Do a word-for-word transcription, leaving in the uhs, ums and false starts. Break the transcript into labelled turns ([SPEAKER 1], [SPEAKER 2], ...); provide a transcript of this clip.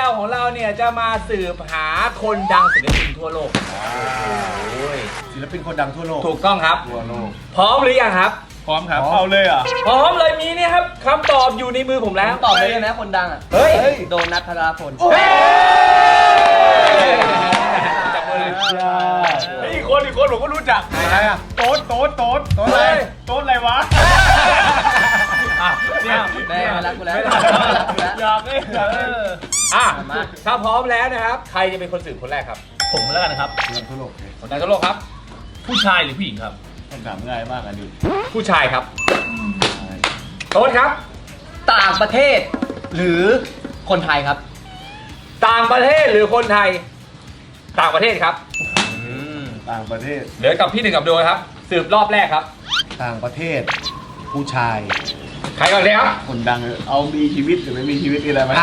[SPEAKER 1] เราของเราเนี่ยจะมาสืบหาคนดังศิลปินทั่วโลก
[SPEAKER 2] ศิลปินคนดังทั่วโลก
[SPEAKER 1] ถูกต้องครับ
[SPEAKER 2] ทั่วโลก
[SPEAKER 1] พร้อมหรือยังครับ
[SPEAKER 3] พร้อมครับเอาเลยอ่ะ
[SPEAKER 1] พร้อมเลยมีเนี่ยครับคำตอบอยู่ในมือผมแล้ว
[SPEAKER 4] ตอบเลยได้ไหมคนดังอ่ะ
[SPEAKER 1] เฮ้ย
[SPEAKER 4] โดนัทธราพล
[SPEAKER 1] เฮ้ยจับมือเลย
[SPEAKER 3] อีกคนอีกคนผมก็รู้จัก
[SPEAKER 2] ใครอ่ะ
[SPEAKER 3] โต๊ดโต๊ดโต๊ด
[SPEAKER 2] โต๊ดอะไร
[SPEAKER 3] โต๊ดอะไรวะ
[SPEAKER 1] อ่ะเนี่ย
[SPEAKER 4] แม่มารักกูแล้ว
[SPEAKER 3] อยากเลยอยากเลย
[SPEAKER 1] อ่ะถ้าพร้อมแล้วนะครับ ใครจะเป็นคนสืบคนแรกครับ
[SPEAKER 3] ผมแล้วกันนะครับ
[SPEAKER 2] คนดังทั่วโลก
[SPEAKER 1] คนดังทั่วโลกครับ
[SPEAKER 3] ผู้ชายหรือผู้หญิงครับ
[SPEAKER 2] คำถามง่ายมากอ่ะดิ
[SPEAKER 1] ผู้ชายครับโต๊ดครับ
[SPEAKER 4] ต่างประเทศ หรือคนไทยครับ
[SPEAKER 1] ต่างประเทศหรือคนไทย ต่างประเทศครับ
[SPEAKER 2] ต่างประเทศ
[SPEAKER 1] เหลือกับพี่หนึ่งกับโดยครับ สืบรอบแรกครับ
[SPEAKER 2] ต่างประเทศ ผู้ชาย
[SPEAKER 1] ใครก่อนเลยครับ
[SPEAKER 2] คนดังเอามีชีวิตหรือไม่มีชีวิตอะไรไหม